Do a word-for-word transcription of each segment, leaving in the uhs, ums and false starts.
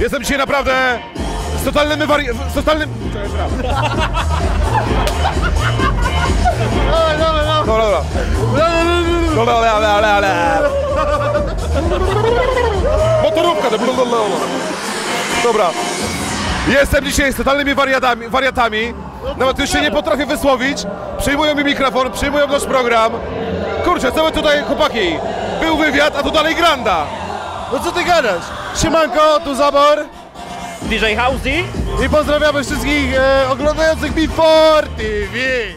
Jestem dzisiaj naprawdę z totalnym wari... z totalnym... Dobra, dobra. Dobra, dobra, dobra, dobra. Motorówka, dobra. Jestem dzisiaj z totalnymi wariatami, wariatami. Nawet już się nie potrafię wysłowić. Przyjmują mi mikrofon, przyjmują nasz program. Kurczę, co my tutaj, chłopaki? Był wywiad, a tu dalej granda. No co ty gadasz? Siemanko, tu Zabor. D J Housey. I pozdrawiamy wszystkich e, oglądających Before T V.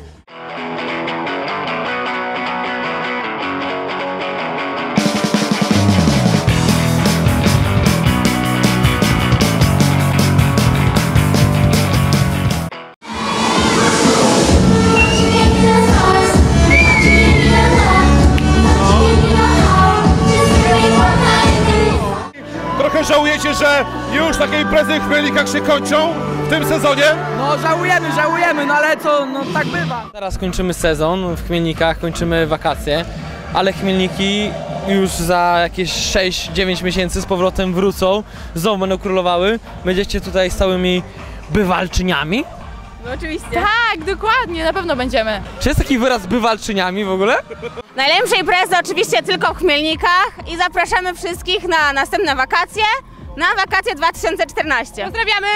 Trochę żałujecie, że już takie imprezy w Chmielnikach się kończą w tym sezonie? No żałujemy, żałujemy, no ale co, no tak bywa. Teraz kończymy sezon w Chmielnikach, kończymy wakacje, ale Chmielniki już za jakieś sześć dziewięć miesięcy z powrotem wrócą, znowu będą królowały. Będziecie tutaj stałymi bywalczyniami? No oczywiście. Tak, dokładnie, na pewno będziemy. Czy jest taki wyraz bywalczyniami w ogóle? Najlepsze imprezy oczywiście tylko w Chmielnikach i zapraszamy wszystkich na następne wakacje, na wakacje dwa tysiące czternaście. Pozdrawiamy!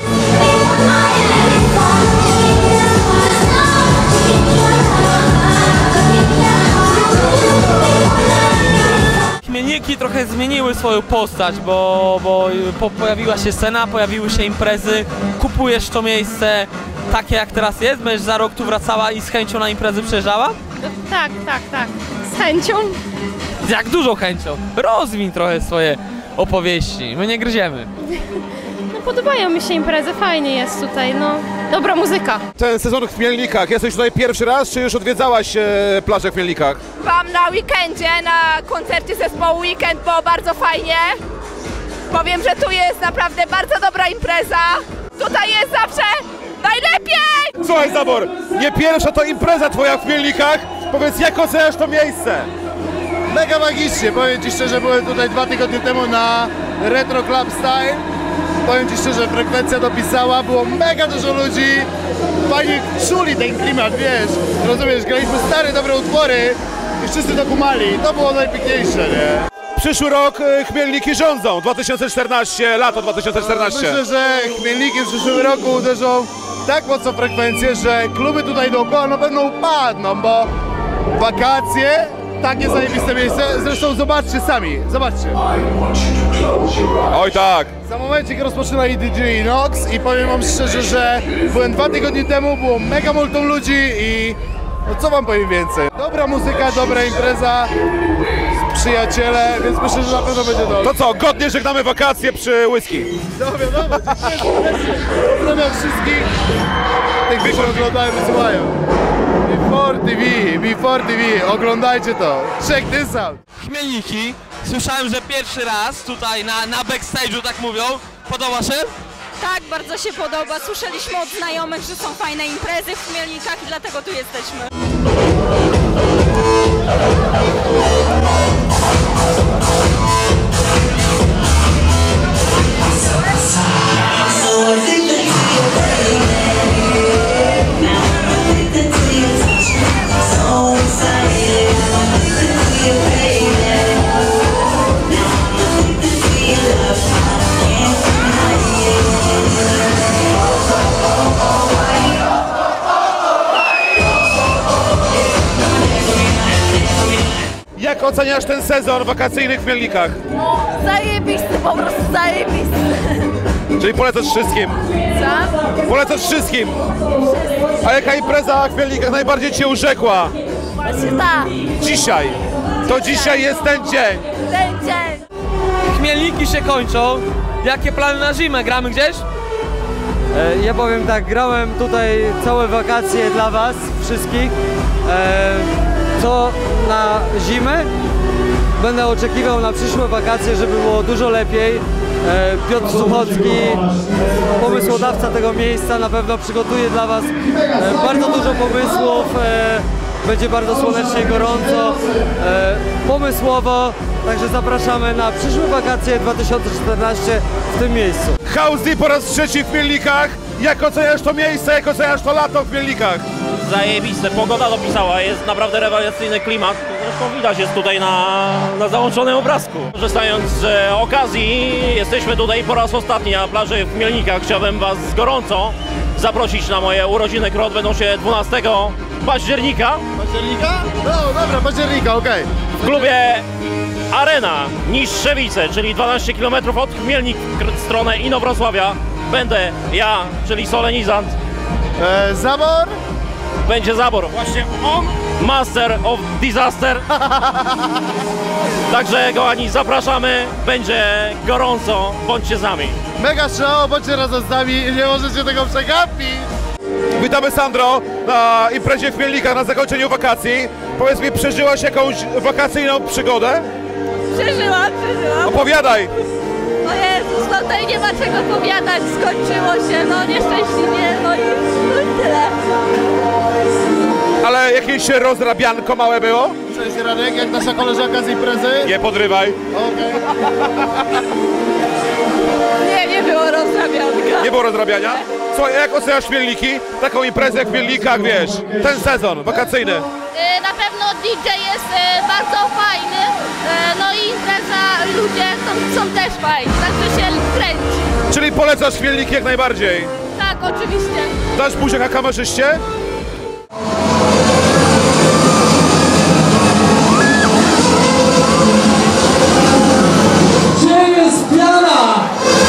Chmielniki trochę zmieniły swoją postać, bo, bo po, pojawiła się scena, pojawiły się imprezy, kupujesz to miejsce takie jak teraz jest, będziesz za rok tu wracała i z chęcią na imprezy przyjeżdżała? Tak, tak, tak. Z chęcią. Z jak dużą chęcią. Rozwiń trochę swoje opowieści, my nie gryziemy. No podobają mi się imprezy, fajnie jest tutaj, no. Dobra muzyka. Ten sezon w Chmielnikach, jesteś tutaj pierwszy raz, czy już odwiedzałaś e, plażę w Chmielnikach? Byłam na weekendzie, na koncercie zespołu Weekend, było bardzo fajnie. Powiem, że tu jest naprawdę bardzo dobra impreza. Tutaj jest zawsze najlepiej! Słuchaj, Zabor, nie pierwsza to impreza twoja w Chmielnikach. Powiedz, jak oceniasz to miejsce? Mega magicznie, powiem ci szczerze, byłem tutaj dwa tygodnie temu na Retro Club Style. Powiem ci szczerze, frekwencja dopisała, było mega dużo ludzi. Fajnie czuli ten klimat, wiesz, rozumiesz, graliśmy stare, dobre utwory i wszyscy to kumali. To było najpiękniejsze, nie? Przyszły rok e, Chmielniki rządzą, dwa tysiące czternaście, lato dwa tysiące czternaście. Myślę, że Chmielniki w przyszłym roku uderzą tak mocno frekwencję, że kluby tutaj dookoła na pewno upadną, bo wakacje, takie zajebiste miejsce, zresztą zobaczcie sami, zobaczcie. Oj tak. Za momencik rozpoczynali D J Inox i powiem wam szczerze, że byłem dwa tygodnie temu, było mega multum ludzi i no co wam powiem więcej. Dobra muzyka, dobra impreza, przyjaciele, więc myślę, że na pewno będzie dobrze. To co, godnie żegnamy wakacje przy whisky. No wiadomo, pozdrawiam wszystkich, tych, którzy oglądają i słuchają. Before T V, Before T V, oglądajcie to, check this out. Chmielniki, słyszałem, że pierwszy raz tutaj na, na backstage'u, tak mówią. Podoba się? Tak, bardzo się podoba. Słyszeliśmy od znajomych, że są fajne imprezy w Chmielnikach i dlatego tu jesteśmy. Jak oceniasz ten sezon wakacyjny w Chmielnikach? Zajebisty, po prostu zajebisty. Czyli polecasz wszystkim. Co? Polecasz wszystkim. A jaka impreza w Chmielnikach najbardziej cię urzekła? Właśnie tak. Dzisiaj. To dzisiaj jest ten dzień. Ten dzień. Chmielniki się kończą. Jakie plany na zimę? Gramy gdzieś? E, ja powiem tak, grałem tutaj całe wakacje dla was wszystkich. E, co na zimę? Będę oczekiwał na przyszłe wakacje, żeby było dużo lepiej. E, Piotr Suchocki, pomysłodawca tego miejsca, na pewno przygotuje dla was e, bardzo dużo pomysłów. E, będzie bardzo słonecznie, gorąco, e, pomysłowo. Także zapraszamy na przyszłe wakacje dwa tysiące czternaście w tym miejscu. Housey po raz trzeci w Chmielnikach. Jak oceniasz to miejsce, jak oceniasz to lato w Chmielnikach? Zajebiste, pogoda dopisała, jest naprawdę rewelacyjny klimat. Zresztą widać jest tutaj na, na załączonym obrazku. Korzystając z okazji, jesteśmy tutaj po raz ostatni na plaży w Chmielnikach. Chciałbym Was gorąco zaprosić na moje urodziny, które odbędą się dwunastego października Października? No dobra, października, okej. w klubie Arena Niższewice, czyli dwanaście kilometrów od Chmielnik w stronę Inowrocławia. Będę ja, czyli solenizant. E, Zabor? Będzie zabor. Właśnie on, Master of Disaster. Także kochani, zapraszamy, będzie gorąco, bądźcie z nami. Mega show, bądźcie razem z nami i nie możecie tego przegapić. Witamy Sandro na imprezie w Chmielnikach na zakończeniu wakacji. Powiedz mi, przeżyłaś jakąś wakacyjną przygodę? Przeżyłam, przeżyłam. Opowiadaj! O Jezus, no tutaj nie ma czego powiadać, skończyło się, no nieszczęśliwie, no i, no i tyle. Ale jakieś rozrabianko małe było? Cześć Radek, jak nasza koleżanka z imprezy? Nie podrywaj. Okej. Nie, nie było rozrabianka. Nie było rozrabiania? Słuchaj, jak oceniasz Chmielniki? Taką imprezę w Chmielnikach, wiesz, ten sezon wakacyjny. Na pewno D J jest bardzo fajny, no i impreza, ludzie są, są też fajni, także się kręci. Czyli polecasz Chmielniki jak najbardziej. Tak, oczywiście. Dasz buziaka kamerzyście? Gdzie jest piana?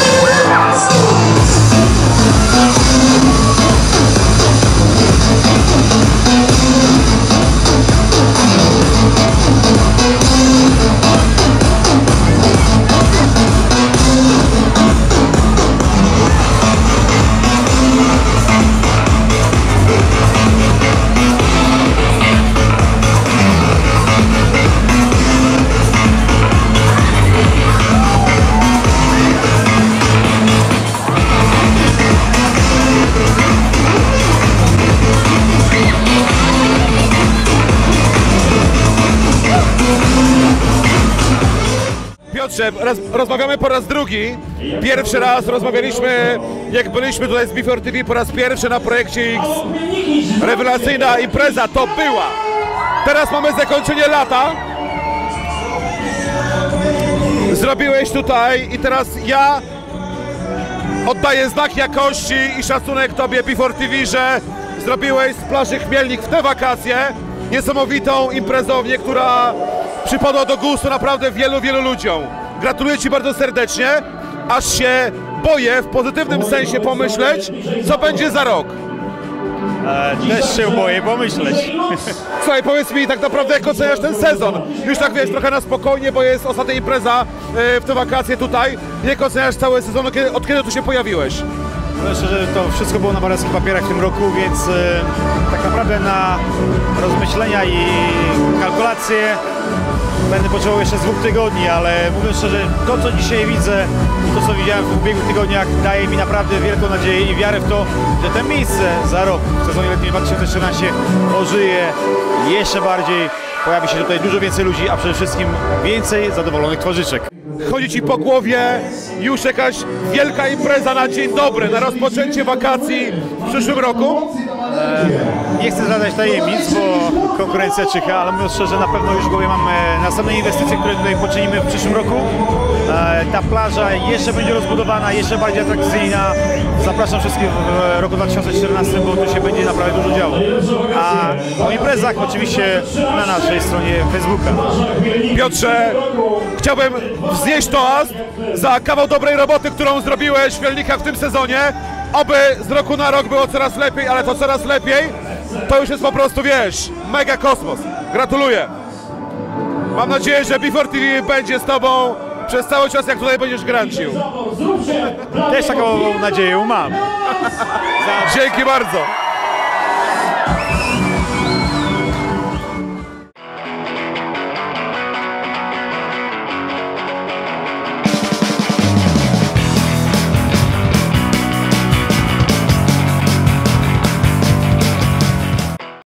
Piotrze, roz, rozmawiamy po raz drugi. Pierwszy raz rozmawialiśmy, jak byliśmy tutaj z Before T V po raz pierwszy na projekcie X. Rewelacyjna impreza to była. Teraz mamy zakończenie lata. Zrobiłeś tutaj i teraz ja oddaję znak jakości i szacunek Tobie Before T V, że zrobiłeś z plaży Chmielnik w te wakacje niesamowitą imprezownię, która przypadła do gustu naprawdę wielu, wielu ludziom. Gratuluję Ci bardzo serdecznie, aż się boję w pozytywnym sensie pomyśleć, co będzie za rok. E, też się boję pomyśleć. Słuchaj, powiedz mi tak naprawdę, jak oceniasz ten sezon? Już tak wiesz, trochę na spokojnie, bo jest ostatnia impreza e, w te wakacje tutaj. Jak oceniasz cały sezon, od kiedy, od kiedy tu się pojawiłeś? Myślę, że to wszystko było na paręskich papierach w tym roku, więc e, tak naprawdę na rozmyślenia i kalkulacje będę potrzebował jeszcze z dwóch tygodni, ale mówiąc szczerze, to co dzisiaj widzę i to co widziałem w ubiegłych tygodniach daje mi naprawdę wielką nadzieję i wiarę w to, że to miejsce za rok w sezonie letnim dwa tysiące czternastym ożyje jeszcze bardziej, pojawi się tutaj dużo więcej ludzi, a przede wszystkim więcej zadowolonych twarzyczek. Chodzi Ci po głowie już jakaś wielka impreza na dzień dobry, na rozpoczęcie wakacji w przyszłym roku? Nie chcę zadać tajemnic, bo konkurencja czyha, ale mówiąc szczerze, na pewno już w głowie mam e, następne inwestycje, które tutaj poczynimy w przyszłym roku. E, ta plaża jeszcze będzie rozbudowana, jeszcze bardziej atrakcyjna. Zapraszam wszystkich w roku dwa tysiące czternastym, bo tu się będzie naprawdę dużo działo. A o imprezach oczywiście na naszej stronie Facebooka. Piotrze, chciałbym wznieść toast za kawał dobrej roboty, którą zrobiłeś w Chmielnikach w tym sezonie. Oby z roku na rok było coraz lepiej, ale to coraz lepiej, to już jest po prostu, wiesz, mega kosmos. Gratuluję. Mam nadzieję, że Before T V będzie z Tobą przez cały czas, jak tutaj będziesz grancił. Też taką nadzieję mam. Dzięki bardzo.